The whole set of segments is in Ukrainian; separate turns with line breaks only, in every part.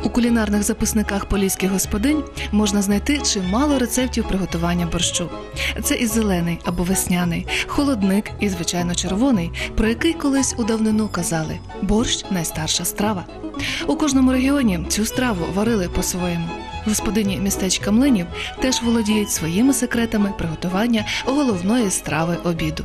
У кулінарних записниках поліських господинь можна знайти чимало рецептів приготування борщу. Це і зелений або весняний, холодник і, звичайно, червоний, про який колись у давнину казали – борщ – найстарша страва. У кожному регіоні цю страву варили по-своєму. Господині містечка Млинів теж володіють своїми секретами приготування головної страви обіду.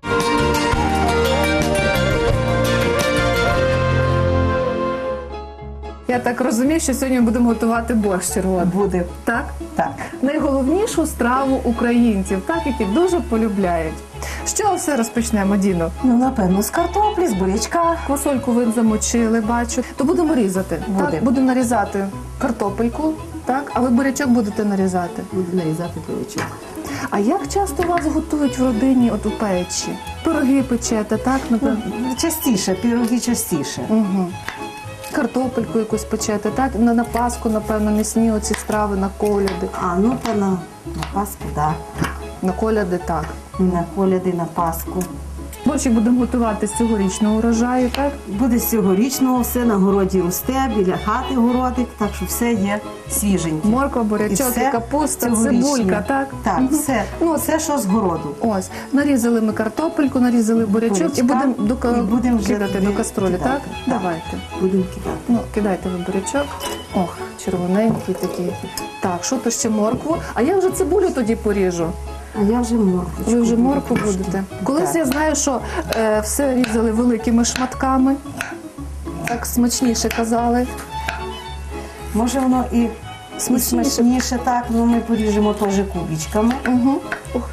Я так розумію, що сьогодні ми будемо готувати борщ червоний.
Буде.
Так?
Так.
Найголовнішу страву українців, так, які дуже полюбляють. З чого все розпочнемо, Діно?
Ну, напевно, з картоплі, з бурячка.
Квасольку ви замочили, бачу. То будемо різати.
Будемо.
Так, будемо нарізати картопельку, так? А ви бурячок будете нарізати?
Буду нарізати бурячок.
А як часто вас готують в родині от у печі? Пироги печете, так? Напевно?
Частіше, пироги частіше.
Угу. Картопельку якусь печете, так? На Пасху, напевно, м'ясні оці страви, на коляди.
А, ну, то на Пасху, так.
На коляди, так.
На коляди, на Пасху.
Борщик будемо готувати з цьогорічного урожаю, так?
Буде з цьогорічного, все на городі росте, біля хати городик, так що все є свіженьке.
Морква, бурячок,
все
капуста,
цьогорічне.
цибулька, так?
Так,
Мгм.
все.
Ну,
Все, що з городу.
Ось, нарізали ми картопельку, нарізали бурячок
Бурячка.
і будемо
І будемо вже
кидати до каструлі,
кидати.
так?
Так.
Давайте.
Будемо кидати.
Ну, кидайте ви бурячок. Ох, червоненький такий. Так, що то ще моркву? А я вже цибулю тоді поріжу.
А я вже морквочку.
Ви вже моркву
буду
будете?
трошки.
Колись
Так.
я знаю, що все різали великими шматками. Так смачніше казали.
Може воно і
Смачніше.
смачніше так, але ми поріжемо теж кубічками.
Угу. Ух.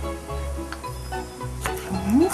Угу.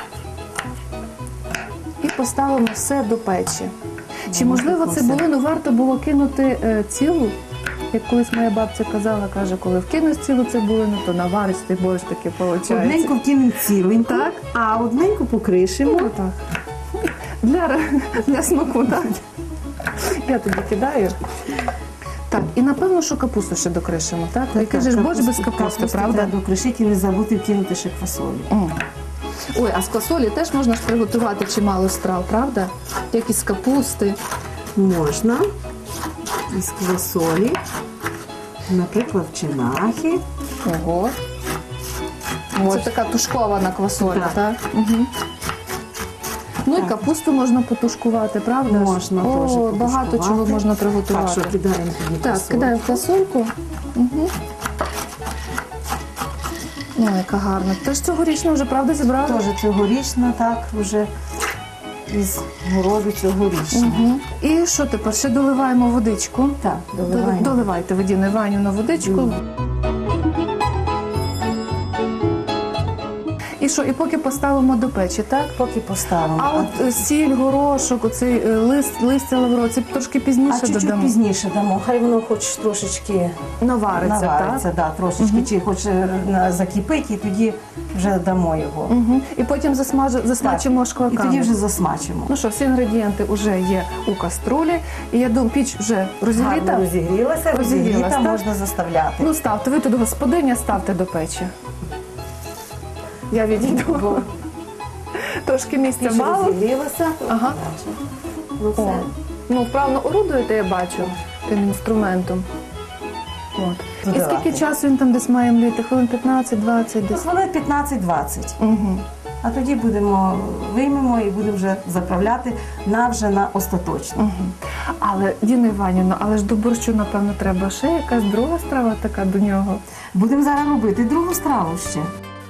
І поставимо все до печі. Чи можливо цибулину варто було кинути цілу? Як колись моя бабця казала, каже, коли вкинеш цілу цибулину, то навариш ти борщ таки виходить.
Одненьку вкинемо ціленьку,
Так.
а одненьку покришимо.
Ну, так. Для смаку, так. Я тобі кидаю. Так, і напевно, що капусту ще докришимо, так? Який же ж борщ без капусти, правда?
Треба докришити і не забути вкинути ще квасолі.
Ой, а з квасолі теж можна ж приготувати чимало страв, правда? Як із капусти.
Можна із квасолі, наприклад, чинахи.
Ого. Це така тушкована квасоля,
Так.
так? Угу. Ну і капусту можна потушкувати, правда? ж?
Можна теж
О, багато
потушкувати.
чого можна приготувати.
Так, що кидаємо тоді
Так,
квасолю.
кидаємо фасольку. Угу. Ой, яка гарна. Теж цьогорічно вже, правда, зібрали?
Теж цьогорічно, так, вже із городу цьогорічно.
Угу. І що тепер? Ще доливаємо водичку.
Так, доливаємо.
Доливайте, Водіна Іванівна, водичку. І що, і поки поставимо до печі, так?
Поки поставимо.
А от сіль, горошок, оцей листя лаврового, це трошки пізніше
чуть-чуть
додамо?
пізніше дамо. Хай воно хоч трошечки
Навариться,
навариться,
так?
да, трошечки, чи хоч закипить, і тоді вже дамо його.
Угу. І потім засмачимо
І
шкварками.
тоді вже засмачимо.
Ну що, всі інгредієнти вже є у каструлі. І я думаю, піч вже розігріта.
Гарно розігрілася,
Розігрілась, так?
можна заставляти.
Ну ставте, ви тут господиня, ставте до печі. Я відійду. Трошки місця
Піч
мало.
розігрілася.
Ага.
Ну,
О,
все.
ну вправно орудуєте, я бачу, тим інструментом. От. І
Додавати.
скільки часу він там десь має мліти? Хвилин 15-20 десь?
Хвилин 15-20.
Угу.
А тоді виймемо і будемо вже заправляти вже на остаточно.
Угу. Але, Діна Іванівна, але ж до борщу, напевно, треба ще якась друга страва така до нього.
Будемо зараз робити другу страву ще.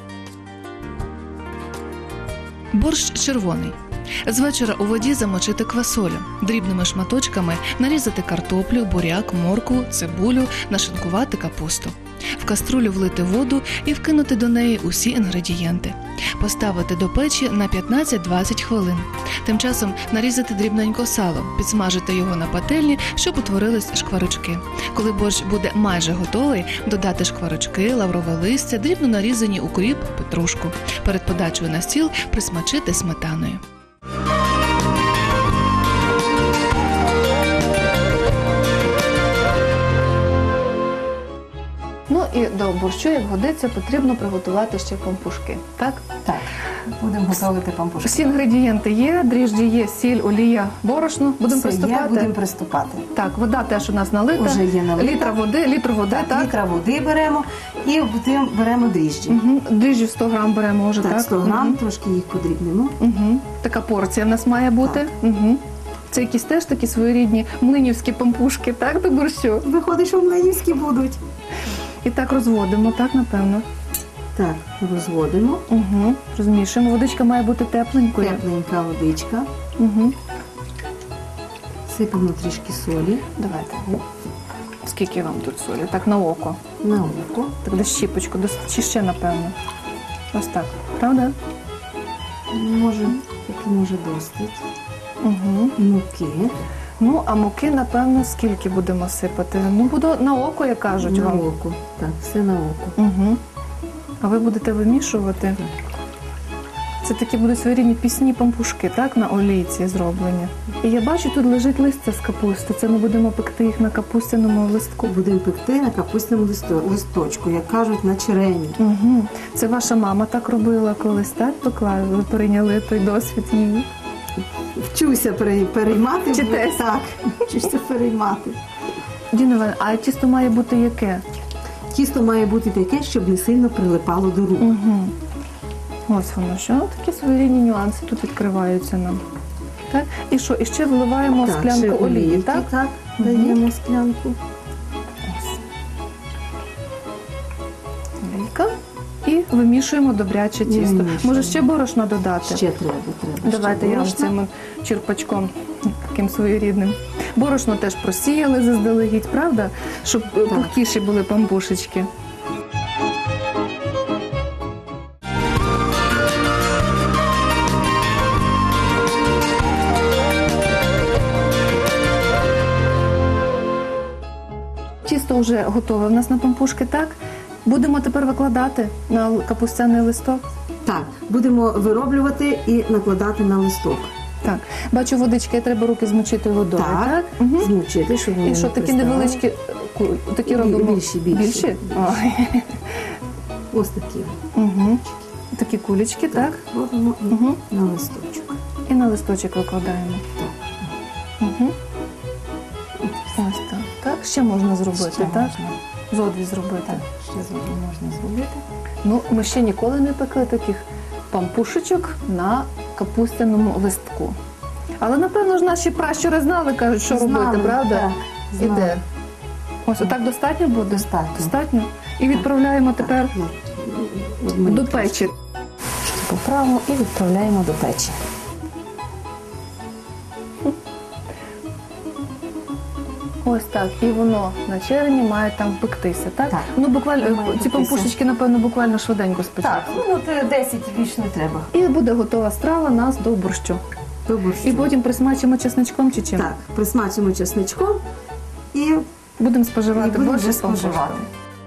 Борщ червоний. З вечора у воді замочити квасолю, дрібними шматочками нарізати картоплю, буряк, моркву, цибулю, нашинкувати капусту. В каструлю влити воду і вкинути до неї усі інгредієнти. Поставити до печі на 15-20 хвилин. Тим часом нарізати дрібненько сало, підсмажити його на пательні, щоб утворились шкварочки. Коли борщ буде майже готовий, додати шкварочки, лаврове листя, дрібно нарізані укріп, петрушку. Перед подачею на стіл присмачити сметаною.
Ну і до борщу, як годиться, потрібно приготувати ще пампушки, так?
Так. будемо готувати пампушки.
Всі інгредієнти є, дріжджі є, сіль, олія, борошно. Будемо
Все є,
приступати.
будемо приступати.
Так, вода теж у нас налита.
Уже є налита.
Літр води, так?
Літра води беремо і потім беремо дріжджі.
Угу. Дріжджі 100 грам беремо вже, так?
Так, 100 грам, трошки їх подрібнемо.
Угу. Така порція в нас має бути. Угу. Це якісь теж такі своєрідні млинівські пампушки, так, до борщу?
Виходить, що млинівські будуть.
І так розводимо, так, напевно.
Так, розводимо.
Угу. Розмішуємо. Водичка має бути тепленькою.
Тепленька водичка.
Угу.
Сипемо трішки солі
Давайте. Скільки вам тут солі? Так, на око.
на око.
Так, десь щіпочку, чи ще, напевно. Ось так. Правда?
Може досить.
Угу.
Муки.
Ну, а муки, напевно, скільки будемо сипати? Ну, буду на око, як кажуть
На
вам.
око. Так, все на око.
Угу. А ви будете вимішувати? Це такі будуть своєрідні пісні пампушки, так, на олійці зроблені. І я бачу, тут лежить листя з капусти. Це ми будемо пекти їх на капустяному листку.
Будемо пекти на капустному листочку, як кажуть, на черені.
Угу. Це ваша мама так робила колись, так, пекла? Ви перейняли той досвід її?
Вчуся переймати.
Вчитесь?
Так, вчуся переймати.
Діна Іванівна, а тісто має бути яке?
Тісто має бути таке, щоб не сильно прилипало до рук.
Угу. Ось воно, що такі своєрідні нюанси тут відкриваються нам. Так? І що? І ще вливаємо
Так,
склянку
ще
олії,
олійки,
так?
Так,
Мгм.
даємо склянку.
Олійка. І вимішуємо добряче тісто.
Вимішуємо.
Може ще борошна додати?
Ще треба.
Давайте я вам
борошна.
цим черпачком таким своєрідним. Борошно теж просіяли заздалегідь, правда? Щоб пухкіші були пампушечки. Тісто вже готове в нас на пампушки, так? Будемо тепер викладати на капустяний листок.
Так, будемо вироблювати і накладати на листок.
Так, бачу, водички, треба руки змочити водою, так? Угу.
Змочити, щоб вони
І що,
не
такі
приставали.
невеличкі, такі робимо?
Більші.
Більші? Ой.
Ось такі.
Угу. Такі кулечки, так?
Робимо і
Угу.
на листочок.
І на листочок викладаємо. Угу. Ось так. Так, ще можна зробити,
Ще
так?
можна.
Зодві зробити.
Так, ще зробимо, можна зробити.
Ну, ми ще ніколи не пекли таких пампушечок на капустяному листку. Але, напевно ж, наші пращури знали, кажуть, що
Знали,
робити, правда?
так, знали.
Іде. Ось отак достатньо буде?
Достатньо.
Достатньо? І відправляємо тепер
От
до печі.
Поправимо і відправляємо до печі.
Ось так. І воно на черені має там пектися, так?
Так.
Ну, буквально,
Має
ці
пектися.
пампушечки, напевно, буквально швиденько спечуть.
Так, ну от 10 більше не треба.
І буде готова страва нас до борщу.
До борщу.
І потім присмачимо чесничком чи чим?
Так, присмачимо чесничком і
Будемо споживати
будемо
борщ
вже
з пампушками.
споживати.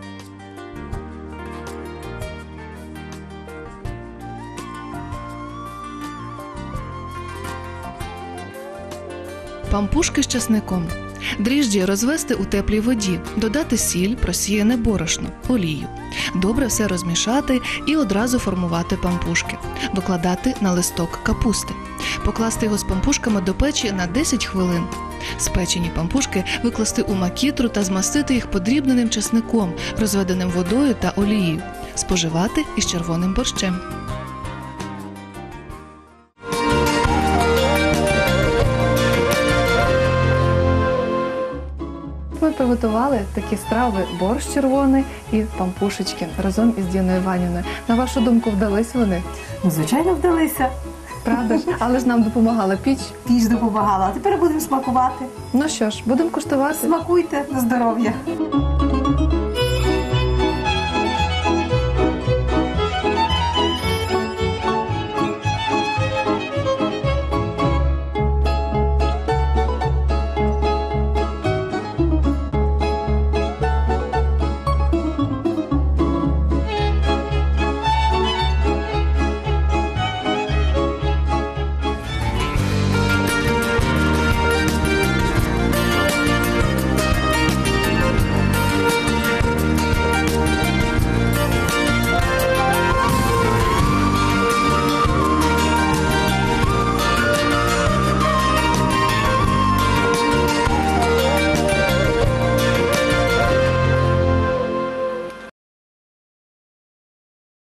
Пампушки з часником. Дріжджі розвести у теплій воді, додати сіль, просіяне борошно, олію. Добре все розмішати і одразу формувати пампушки. Викладати на листок капусти. Покласти його з пампушками до печі на 10 хвилин. Спечені пампушки викласти у макітру та змастити їх подрібненим часником, розведеним водою та олією. Споживати із червоним борщем.
Ми приготували такі страви борщ червоний і пампушечки разом із Діною Іванівною. На вашу думку, вдались вони?
Ну, звичайно, вдалися.
Правда ж? Але ж нам допомагала піч.
Піч допомагала. А тепер будемо смакувати.
Ну що ж, будемо куштувати.
Смакуйте на здоров'я.